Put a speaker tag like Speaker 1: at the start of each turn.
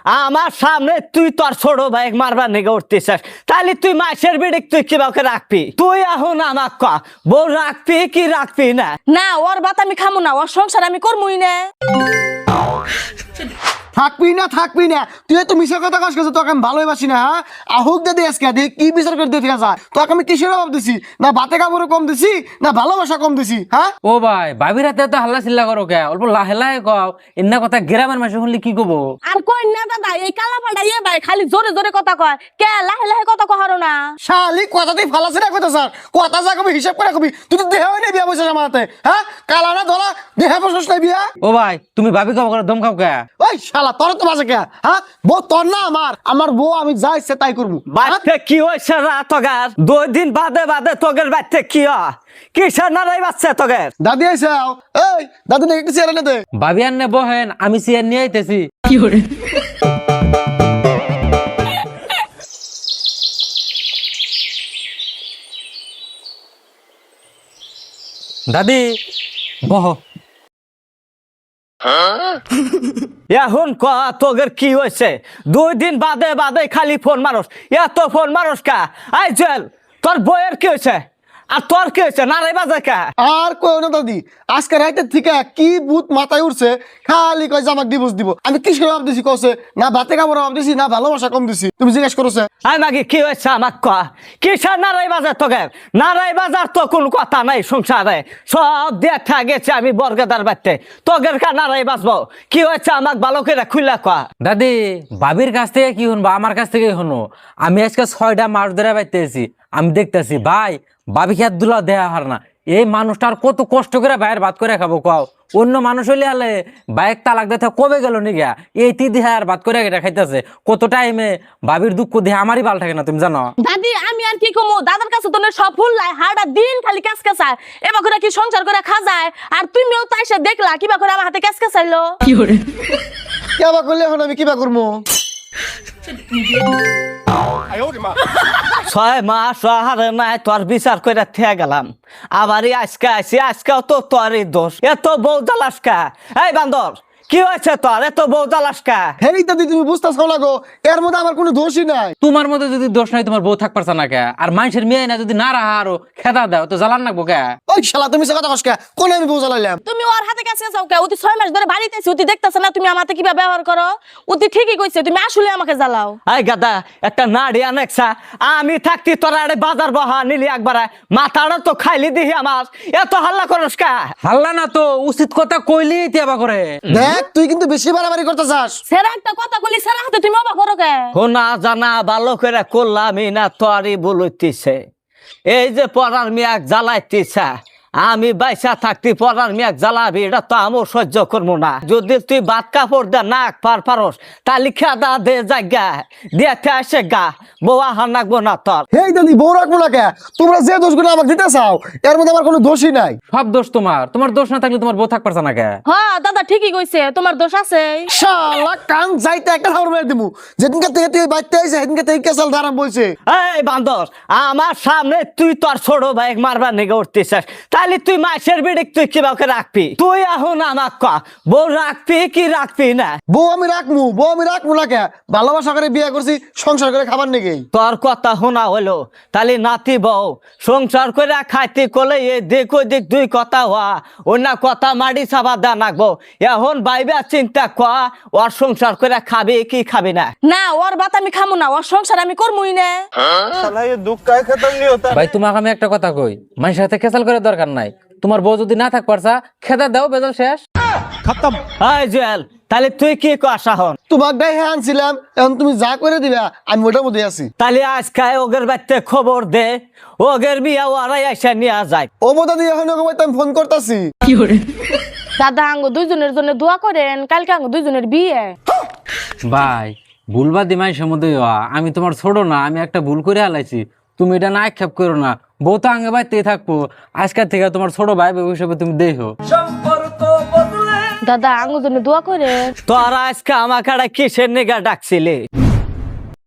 Speaker 1: আমার সামনে তুই তোর ছোট ভাই মারবার নিগে উঠতেছিস, তাহলে তুই মাসের বিড়িক তুই কিভাবে রাখবি? তুই এখন আমাক ক বউ রাখবি কি রাখবি না?
Speaker 2: না ওর ভাত আমি খামু না, ওর সংসার আমি করবই না।
Speaker 3: থাকবি না তুই তো মিশা কথা কাজ করছিস, তোকে আমি ভালোবাসি না। হ্যাঁ আহুক দে আজকে দেখ কি বিচার করে দেখে যা, তোকে আমি কিসের অভাব দিছি? না ভাতে কাপড়ে কম দিছি না ভালোবাসা কম দিছি? হ্যাঁ
Speaker 4: ও ভাই ভাবির হাতে তো হাল্লা চিল্লা করো কে, অল্প লাহে লাহে কও। এমনা কথা গ্রামের মানুষ শুনলে কি কব?
Speaker 2: আর কই না দাদা, এই কালা পাল্টা ইয়ে ভাই খালি জোরে জোরে কথা কয়, কে লাহে লাহে কথা কহারো না।
Speaker 3: শালি কথাতেই ফালাছে না কথা স্যার, কথা যা কবি হিসাব করে কবি। তুই তো দেহ নেই বিয়া বসে আমার হাতে। হ্যাঁ কালা না ধরা দেহা বসস নাই বিয়া।
Speaker 4: ও ভাই তুমি ভাবি কব করে দম খাও কে?
Speaker 3: ওই শালা তোর তো বাজে কে? হ্যাঁ বউ তোর না আমার বউ, আমি যা ইচ্ছে তাই করবো।
Speaker 1: বাড়িতে কি হয়েছে রা তোগার? 2 দিন বাদে বাদে তোগের বাড়িতে কি হয়? কিসের নারাই বাচ্চা তোগের?
Speaker 3: দাদি আইসে এই দাদি নাকি কিছু এনে দে।
Speaker 4: ভাবি আর নে বহেন, আমি চেয়ার নিয়ে আইতেছি। দাদি বহ।
Speaker 1: এখন ক তোগের কি হয়েছে? 2 দিন বাদে বাদে খালি ফোন মারস, এত ফোন মারস কা? আই জেল তোর বইয়ের কি হয়েছে আর তোর কি হয়েছে? নারাই বাজে কা?
Speaker 3: আর কই না দাদি, আজকে রাইতের থেকে কি ভূত মাথায় উঠছে, খালি কয় যে আমাকে ডিভোর্স দিব। আমি কিসের অভাব দিছি কছে? না ভাতে কাপড় অভাব দিছি না ভালোবাসা কম দিছি? তুমি জিজ্ঞেস করছে।
Speaker 1: আই মাগি কি হয়েছে আমাক ক? কিসের নারাই বাজার তোগের? নারাই বাজার তো কোন কথা নাই সংসারে, সব দেখা গেছে আমি বর্গদার বাড়তে। তোগের কা নারাই বাজবো? কি হয়েছে আমাক ভালো করে খুলে ক।
Speaker 4: দাদি ভাবির কাছ থেকে কি শুনবো, আমার কাছ থেকে শুনো। আমি আজকে 6টা মাস ধরে বাইতেছি, আমি দেখতেছি ভাই ভাবি খেয়ার দুলা দেয়া হার না। এই মানুষটার কত কষ্ট করে বাইরের ভাত করে খাবো কও? অন্য মানুষ হইলে হলে বাইক তালাক দেখে কবে গেল নিগা, এই দেহে আর ভাত করে এটা খাইতেছে। কত টাইমে ভাবির দুঃখ দেহে আমারই ভাল থাকে না, তুমি জানো?
Speaker 2: দাদি আমি আর কি কমু, দাদার কাছে তো সব ফুল লাই, হাড়া দিন খালি ক্যাস ক্যাসায়। এবার করে কি সংসার করে খাজায়? আর তুমিও তো এসে দেখলা কিবা করে আমার হাতে ক্যাস ক্যাসাইলো।
Speaker 3: কেবা করলে এখন আমি কিবা করবো?
Speaker 1: 6 মাস হারে নাই তোর বিচার করে থেকে গেলাম, আবারই আজকে আইসি, আজকেও তো তোরই দোষ। এত বউ জ্বালাসকা? এই বান্দর কি হয়েছে তোর? এত বউ জ্বালাসকা?
Speaker 3: হেই দাদি তুমি বুঝতেছো না গো, এর মধ্যে আমার কোনো দোষই নাই।
Speaker 4: তোমার মধ্যে যদি দোষ নাই তোমার বউ থাক পারছে না কে? আর মানুষের মেয়ে না যদি না রাহা আরো খেদা দাও তো জ্বালান নাকবো কে?
Speaker 3: ওই শালা তুমি সে কথা কসকা কোন আমি বউ জ্বালাইলাম?
Speaker 2: তুমি ওর হাতে ক্যাস ক্যাসাও কে? অতি 6 মাস ধরে বাড়িতে আছি, অতি দেখতেছ না তুমি আমাতে কিবা ব্যবহার করো? অতি ঠিকই কইছে, তুমি আসলে আমাকে জ্বালাও।
Speaker 1: এই গাদা একটা নাড়ি আনেকসা, আমি থাকতি তোরা আরে বাজার বহা নিলি একবার, মাথাটা তো খাইলি দিহি আমার, এত হাল্লা করস কা?
Speaker 4: হাল্লা না তো, উচিত কথা কইলেই তিয়াবা করে।
Speaker 3: দেখ তুই কিন্তু বেশি বাড়াবাড়ি করতে চাস।
Speaker 2: সেরা একটা কথা কইলি, সেরা হাতে তুমি অবাক করো কে?
Speaker 1: হোনা জানা ভালো করে করলামই না, তোরই বলতিছে। এই যে পড়ার মেয়াক জ্বালাইতিছা, আমি বাইসা থাকতি পড়ার মেয়াক জ্বালাবি, এটা তো আমিও সহ্য করবো না। যদি তুই বাদ কাপড় দে নাক পারস, তাহলে খেদা দে জায়গা দেখতে আসে গা, বউয়া হার নাকবো না তোর।
Speaker 3: হেই দাদি বউ রাখবো না কে? তোমরা যে দোষগুলো আমাকে দিতে চাও এর মধ্যে আমার কোনো দোষই নাই।
Speaker 4: সব দোষ তোমার, তোমার দোষ না থাকলে তোমার বউ থাক পারছে না কে?
Speaker 2: হ্যাঁ দাদা ঠিকই কইছে, তোমার দোষ আছে।
Speaker 3: শালা কান যাইতে একটা ধার মেরে দিমু। যেদিনকে থেকে তুই বাইতে আইছে সেদিনকে থেকে কেসাল ধারাম বলছে।
Speaker 1: এই বান্দর আমার সামনে তুই তোর ছোট ভাই মারবার নিগে উঠতেছিস, তাহলে তুই মাসের বিড়িক তুই কিভাবে রাখবি? তুই এখন আমাক ক বউ রাখবি কি রাখবি না?
Speaker 3: বউ আমি রাখবো না কে? ভালোবাসা করে বিয়ে করছি, সংসার করে খাবার নেই।
Speaker 1: তোর কথা শোনা হলো, তাহলে নাতি বউ সংসার করে খাইতে কলে এ দিক ওই দিক দুই কথা হওয়া, অন্য কথা মাটি চাপা দা নাকবো। এখন বাইবা চিন্তা কর, ওর সংসার করে খাবি কি খাবি না?
Speaker 2: না ওর ভাত আমি খামু না, ওর সংসার আমি করবই না।
Speaker 4: ভাই তোমাকে আমি একটা কথা কই, মানুষের সাথে খেসাল করে দরকার নাই। তোমার বউ যদি না থাক পারছা খেদা দাও, বেজাল শেষ খতম।
Speaker 1: হাই জুয়েল, তাহলে তুই কি কস এখন?
Speaker 3: তোমার গায়ে হ্যাঁ আনছিলাম, এখন তুমি যা করে দিবা আমি ওটার মধ্যে আছি।
Speaker 1: তাহলে আজকে ওগের বাড়িতে খবর দে, ওগের বিয়া ওরাই এসে নিয়ে যায়।
Speaker 3: ও বোধা দিয়ে এখন ওকে আমি ফোন করতেছি।
Speaker 2: দাদা আঙ্গো দুইজনের জন্য দোয়া করেন, কালকে আঙ্গো দুইজনের বিয়ে।
Speaker 4: ভাই ভুলবাদি মানুষের মধ্যে আমি তোমার ছোট না, আমি একটা ভুল করে হালাইছি, তুমি এটা না আক্ষেপ করো না। বউ তো আগে বাইতেই থাকবো, আজকের থেকে তোমার ছোট ভাই হিসেবে তুমি দেখো।
Speaker 2: দাদা আঙ্গো জন্য দোয়া করেন।
Speaker 1: তোরা আজকে আমাকে কিসের নিগা ডাকছিলি?